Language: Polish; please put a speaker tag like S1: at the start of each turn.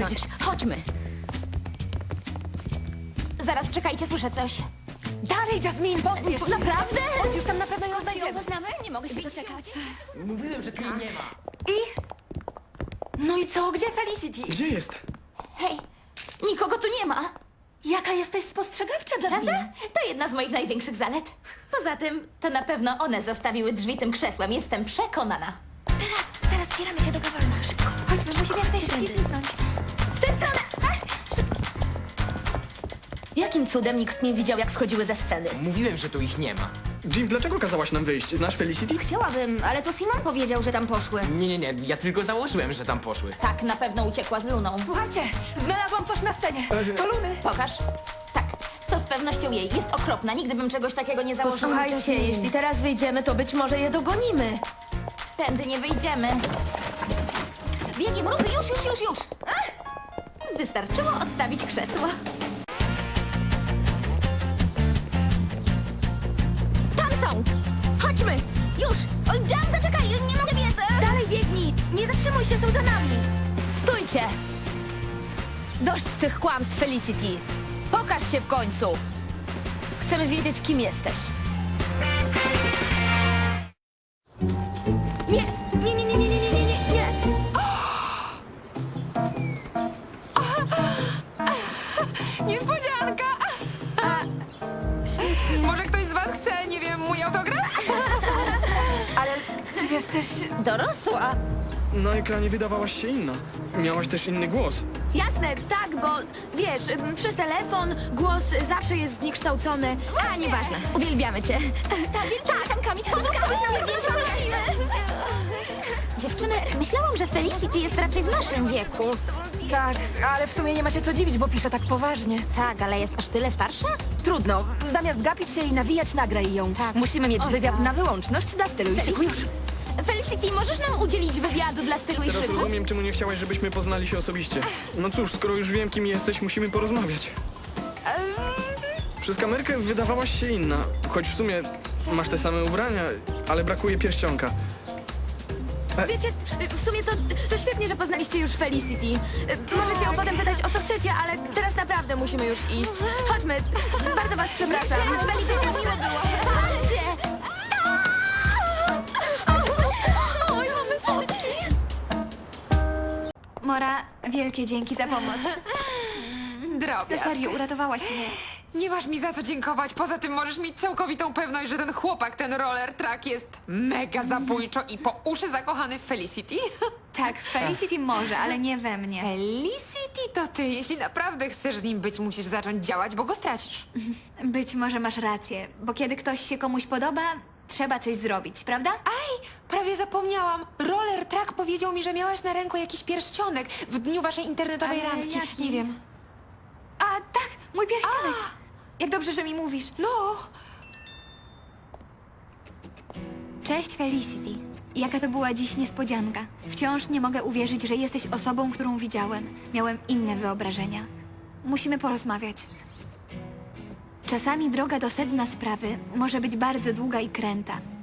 S1: Przecież chodźmy. Zaraz, czekajcie, słyszę coś.
S2: Dalej, Jasmine, pospiesz się.
S1: Naprawdę?
S2: Już tam na pewno ją znajdziemy.
S3: Poznamy? Nie mogę się doczekać.
S4: Mówiłem, że tu jej nie ma.
S2: No i co? Gdzie Felicity?
S5: Gdzie jest?
S1: Hej, nikogo tu nie ma.
S2: Jaka jesteś spostrzegawcza, Jasmine?
S1: Prawda? To jedna z moich największych zalet. Poza tym, to na pewno one zastawiły drzwi tym krzesłem. Jestem przekonana.
S3: Teraz zbieramy się do Gawolna. Szybko. Chodźmy, musimy jak najszybciej zniknąć.
S1: W tę stronę! Jakim cudem nikt nie widział, jak schodziły ze sceny?
S4: Mówiłem, że tu ich nie ma.
S5: Jim, dlaczego kazałaś nam wyjść? Znasz Felicity?
S3: Chciałabym, ale to Simon powiedział, że tam poszły.
S4: Nie, ja tylko założyłem, że tam poszły.
S1: Tak, na pewno uciekła z Luną.
S2: Słuchajcie, znalazłam coś na scenie. To Luny.
S1: Pokaż. Tak, to z pewnością jej. Jest okropna. Nigdy bym czegoś takiego nie założyła.
S2: Posłuchajcie, jeśli teraz wyjdziemy, to być może je dogonimy.
S1: Tędy nie wyjdziemy. Biegiem, Rudy, już. Ach! Wystarczyło odstawić krzesło. Tam są! Chodźmy! Już! Oj, Jam, zaczekaj! Nie mogę biec!
S3: Dalej biegnij! Nie zatrzymuj się, są za nami!
S2: Stójcie! Dość tych kłamstw, Felicity. Pokaż się w końcu. Chcemy wiedzieć, kim jesteś.
S3: Nie!
S6: Niespodzianka! Może ktoś z was chce, nie wiem, mój autograf?
S2: Ale ty jesteś...
S1: Dorosła!
S5: Na ekranie wydawałaś się inna. Miałaś też inny głos.
S3: Jasne, tak, bo wiesz, przez telefon głos zawsze jest zniekształcony. A, nieważne. Uwielbiamy cię. Tak, wielkami. Pozwól sobie z nami zdjęcie, prosimy.
S1: Dziewczyny, myślałam, że Felicity jest raczej w naszym wieku.
S2: Tak, ale w sumie nie ma się co dziwić, bo pisze tak poważnie.
S1: Tak, ale jest aż tyle starsza?
S2: Trudno. Zamiast gapić się i nawijać, nagraj ją. Musimy mieć wywiad na wyłączność dla stylu i szyku już.
S1: Felicity, możesz nam udzielić wywiadu dla stylu i
S5: Teraz
S1: szyku?
S5: rozumiem, czemu nie chciałaś, żebyśmy poznali się osobiście. No cóż, skoro już wiem, kim jesteś, musimy porozmawiać. Przez kamerkę wydawałaś się inna. Choć w sumie masz te same ubrania, ale brakuje pierścionka.
S3: Wiecie, w sumie to świetnie, że poznaliście już Felicity. Możecie ją potem pytać, o co chcecie, ale teraz naprawdę musimy już iść. Chodźmy. Bardzo was przepraszam. Felicity, miło było.
S1: Chodźcie!
S3: Oj, mamy fotki. Mora, wielkie dzięki za pomoc.
S6: Drobiazg.
S3: Serio, uratowałaś mnie.
S6: Nie masz mi za co dziękować. Poza tym możesz mieć całkowitą pewność, że ten chłopak, ten roller track jest mega zabójczo i po uszy zakochany w Felicity.
S3: Tak, Felicity może, ale nie we mnie.
S6: Felicity to ty. Jeśli naprawdę chcesz z nim być, musisz zacząć działać, bo go stracisz.
S3: Być może masz rację, bo kiedy ktoś się komuś podoba, trzeba coś zrobić, prawda?
S6: Aj, prawie zapomniałam. Roller track powiedział mi, że miałaś na ręku jakiś pierścionek w dniu waszej internetowej
S3: Ale
S6: randki.
S3: jaki?
S6: Nie wiem.
S3: A, tak, mój pierścionek. Jak dobrze, że mi mówisz.
S6: No,
S3: Cześć, Felicity. Jaka to była dziś niespodzianka. Wciąż nie mogę uwierzyć, że jesteś osobą, którą widziałem. Miałem inne wyobrażenia. Musimy porozmawiać. Czasami droga do sedna sprawy może być bardzo długa i kręta.